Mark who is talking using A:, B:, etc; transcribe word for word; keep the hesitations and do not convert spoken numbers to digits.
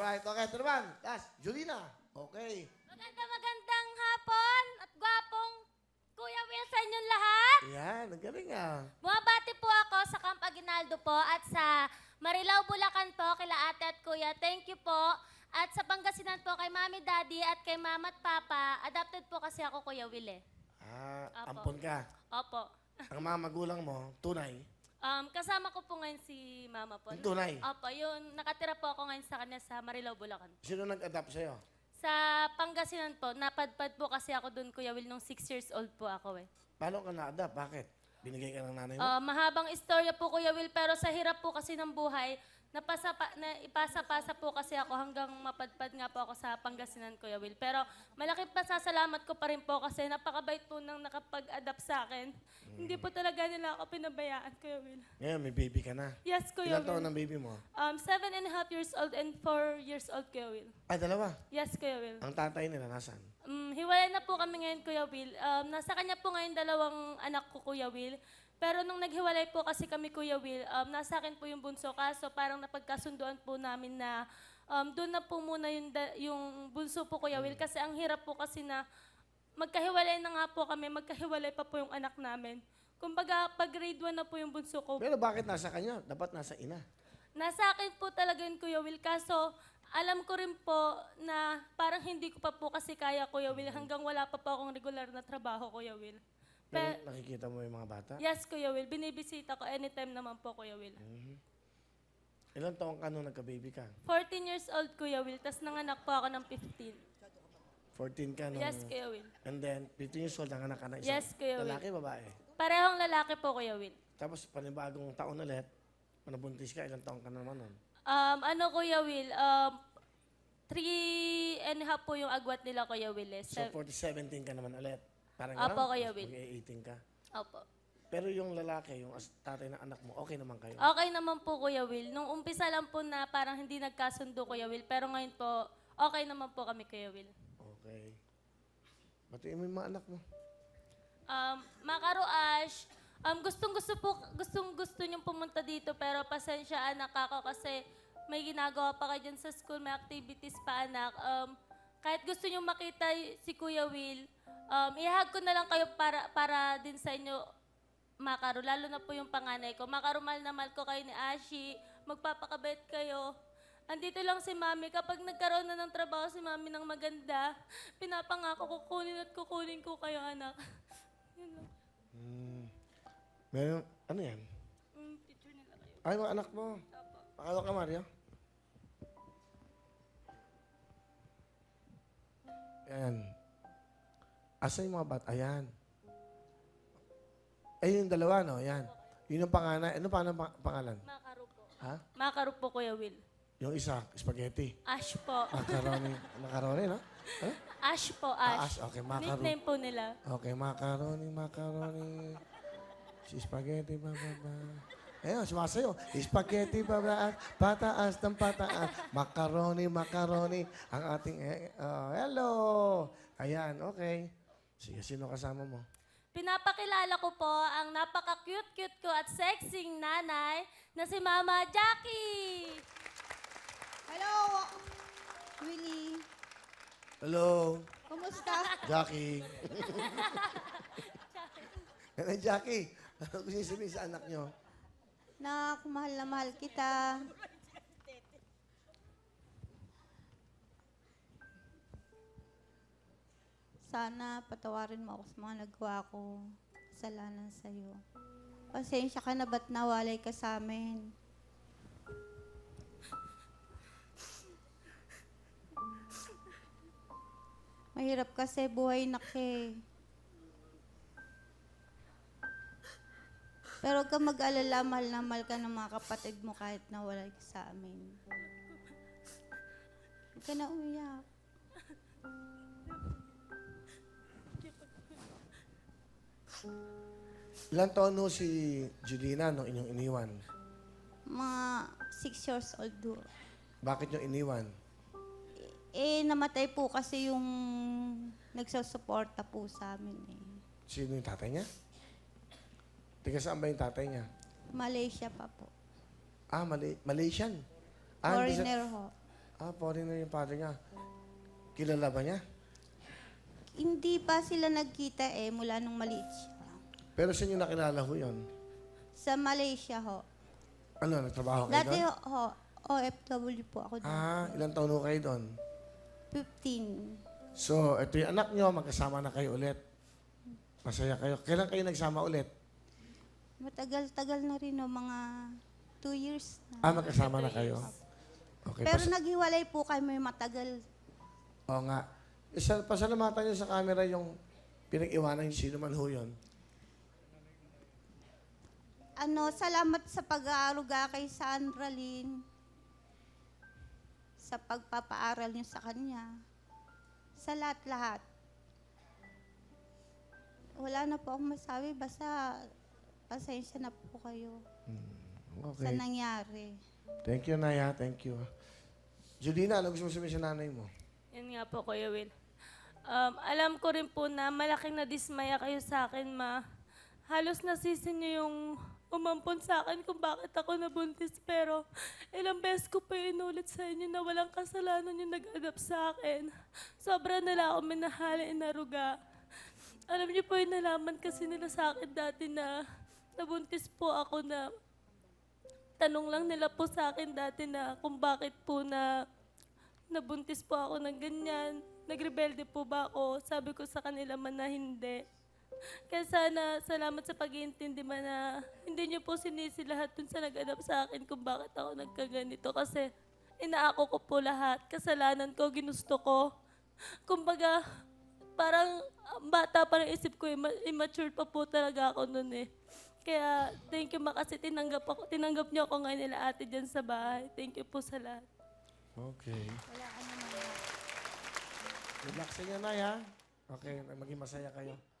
A: Alright, okay. Ito naman. Last, Julina. Okay.
B: Maganda magandang hapon at gwapong Kuya Will sa inyong lahat.
A: Yan, ang galing ah.
B: Bumabati po ako sa Camp Aguinaldo po at sa Marilao, Bulacan po, kila ate at kuya. Thank you po. At sa Pangasinan po kay Mami, Daddy at kay Mama at Papa. Adopted po kasi ako, Kuya Will eh.
A: Ah,
B: Apo.
A: ampon ka.
B: Opo.
A: Ang mga magulang mo, tunay.
B: Um, kasama ko po ngayon si Mama po.
A: Yung tunay.
B: Opo, yun. Nakatira po ako ngayon sa kanya sa Marilao, Bulacan.
A: Sino nag-adapt sa'yo?
B: Sa Pangasinan po, napadpad po kasi ako doon, Kuya Will, nung six years old po ako eh.
A: Paano ka na-adapt? Bakit? Binigay ka ng nanay mo?
B: Ah, mahabang istorya po, Kuya Will, pero sa hirap po kasi ng buhay, napasa pa, na ipasa-pasa po kasi ako hanggang mapadpad nga po ako sa Pangasinan, Kuya Will. Pero malaking pasasalamat ko pa rin po kasi napakabait po nang nakapag-adapt sa akin. Hindi po talaga nila ako pinabayaan, Kuya Will.
A: Ngayon, may baby ka na.
B: Yes, Kuya
A: Ilan taon
B: Will.
A: ang baby mo?
B: Um, seven and a half years old and four years old, Kuya Will.
A: Ah, dalawa.
B: Yes, Kuya Will.
A: Ang tatay nila, nasan?
B: Um, hiwalay na po kami ngayon, Kuya Will. Um, nasa kanya po ngayon dalawang anak ko, Kuya Will. Pero nung naghiwalay po kasi kami, Kuya Will, um, nasa akin po yung bunso. Kaso parang napagkasunduan po namin na um, doon na po muna yung, da- yung bunso po, Kuya Will. Kasi ang hirap po kasi na magkahiwalay na nga po kami, magkahiwalay pa po yung anak namin. Kumbaga, pag grade one na po yung bunso ko,
A: Pero bakit nasa kanya? Dapat nasa ina.
B: nasa akin po talaga yun, Kuya Will. Kaso, alam ko rin po na parang hindi ko pa po kasi kaya, Kuya Will, hanggang wala pa po akong regular na trabaho, Kuya Will.
A: Pero
B: Pe-
A: nakikita mo yung mga bata?
B: yes, Kuya Will. Binibisita ko anytime naman po, Kuya Will.
A: Mhm. Ilan taong ka nung nagka-baby ka?
B: fourteen years old, Kuya Will. Tapos nanganak po ako ng fifteen.
A: fourteen ka nung...
B: Yes, Kuya Will.
A: And then, fifteen years old, nanganak ka na isang
B: Yes, Kuya Will.
A: lalaki, babae.
B: Parehong lalaki po, Kuya Will.
A: Tapos, panibagong taon ulit, manabuntis ka, ilang taong ka naman nun?
B: Um, ano, Kuya Will? Um, three and a half po yung agwat nila, Kuya Will. Eh.
A: So,
B: Sev-
A: forty seventeen ka naman ulit. Parang
B: Apo,
A: ganun,
B: Kuya
A: tapos
B: Will.
A: mag-eighteen ka.
B: Opo.
A: Pero yung lalaki, yung as- tatay ng anak mo, okay naman kayo?
B: Okay naman po, Kuya Will. Nung umpisa lang po na parang hindi nagkasundo, Kuya Will. Pero ngayon po, okay naman po kami, Kuya Will.
A: Okay. Batiin mo yung mga anak mo.
B: Um, Makaro Ash, um, gustong gusto po, gustong gusto niyong pumunta dito pero pasensya anak ako kasi may ginagawa pa kayo dyan sa school, may activities pa anak. Um, kahit gusto niyong makita y- si Kuya Will, um, ihag ko na lang kayo para, para din sa inyo, Makaro, lalo na po yung panganay ko. Makaro, mahal na mahal ko kayo ni Ashi, magpapakabait kayo. Andito lang si Mami. Kapag nagkaroon na ng trabaho si Mami ng maganda, pinapangako kukunin at kukunin ko kayo, anak. Yun lang.
A: Hmm. Meron, ano yan?
B: Mm, picture nila kayo.
A: Ay, mga anak mo.
B: Apo.
A: Pakalo ka, Mario. Ayan. Asa yung mga bat? Ayan. Ay, yung dalawa, no? Ayan. Yun yung panganay. Ano pa ang pang- pangalan?
B: Makaro po.
A: Ha?
B: Makaro po, Kuya Will.
A: Yung isa, spaghetti.
B: Ash po.
A: Macaroni. Macaroni, no? Huh?
B: Ash po,
A: Ah,
B: Ash.
A: Ash. Okay, macaroni.
B: Nickname po nila.
A: Okay, macaroni, macaroni. Si spaghetti, ba, ba, ba. Ayun, sumasayo. Spaghetti, ba, ba, pataas ng pataas. Macaroni, macaroni. Ang ating, eh, oh, hello. Ayan, okay. Sige, sino kasama mo?
B: Pinapakilala ko po ang napaka-cute-cute ko at sexing nanay na si Mama Jackie.
C: Hello, Willie.
A: Hello,
C: Kumusta?
A: Jackie. Hello, Jackie. Ano gusto niyo sabihin sa anak niyo?
C: Nak, mahal na mahal kita. Sana patawarin mo ako sa mga nagawa ko. Kasalanan sa'yo. Pasensya ka na ba't nawalay ka sa amin? Mahirap kasi buhay na eh. Pero huwag ka mag-alala, mahal na mahal ka ng mga kapatid mo kahit nawalay ka sa amin. Huwag ka na umiyak.
A: Ilan taon no si Julina nung inyong iniwan?
C: Mga six years old do.
A: Bakit nyo iniwan?
C: Eh, namatay po kasi yung nagsusuporta po sa amin eh.
A: Sino yung tatay niya? Tiga saan ba yung tatay niya?
C: Malaysia pa po.
A: Ah, Malay- Malaysian. Ah, hindi sa-
C: Foreigner ho.
A: Ah, foreigner yung father niya. Kilala ba niya?
C: Hindi pa sila nagkita eh, mula nung maliit siya.
A: Pero saan niyo nakilala ho yun?
C: Sa Malaysia ho.
A: Ano, nagtrabaho kayo
C: Dati
A: doon?
C: ho, O F W po ako doon.
A: Ah, ilang taon ho kayo doon?
C: fifteen.
A: So, ito yung anak niyo, magkasama na kayo ulit. Masaya kayo. Kailan kayo nagsama ulit?
C: Matagal-tagal na rin no, mga two years na.
A: Ah, magkasama na kayo. Okay,
C: Pero
A: pas-
C: naghiwalay po kami matagal.
A: Oo nga. Isa, pasalamatan niyo sa camera yung pinag-iwanan niyo sino man ho yun.
C: Ano, salamat sa pag-aaruga kay Sandra Lynn. Sa pagpapaaral niyo sa kanya. Sa lahat-lahat. Wala na po akong masabi, basta pasensya na po kayo sa
A: Okay.
C: nangyari.
A: Thank you, Naya. Thank you. Julina, ano gusto mo sabihin sa nanay mo?
B: Yan nga po, Kuya Will. Um, alam ko rin po na malaking nadismaya kayo sa akin, ma. Halos nasisin niyo yung umampon sa akin kung bakit ako nabuntis. Pero ilang beses ko pa inulit sa inyo na walang kasalanan yung nag-adapt sa akin. Sobra nila ako minahalin inaruga. Alam niyo po yung nalaman kasi nila sa akin dati na nabuntis po ako na tanong lang nila po sa akin dati na kung bakit po na nabuntis po ako ng ganyan. Nagrebelde po ba ako? Sabi ko sa kanila man na hindi. Kaya sana, salamat sa pag-iintindi man na hindi niyo po sinisi lahat dun sa nag-adapt sa akin kung bakit ako nagkaganito. Kasi inaako ko po lahat. Kasalanan ko, ginusto ko. Kumbaga, parang ang bata pa ng isip ko, imma- immature pa po talaga ako nun eh. Kaya thank you ma kasi tinanggap, ako, tinanggap niyo ako ngayon nila ate dyan sa bahay. Thank you po sa lahat.
A: Okay.
C: Wala ano naman.
A: Good luck sa inyo, Naya. Okay, maging masaya kayo.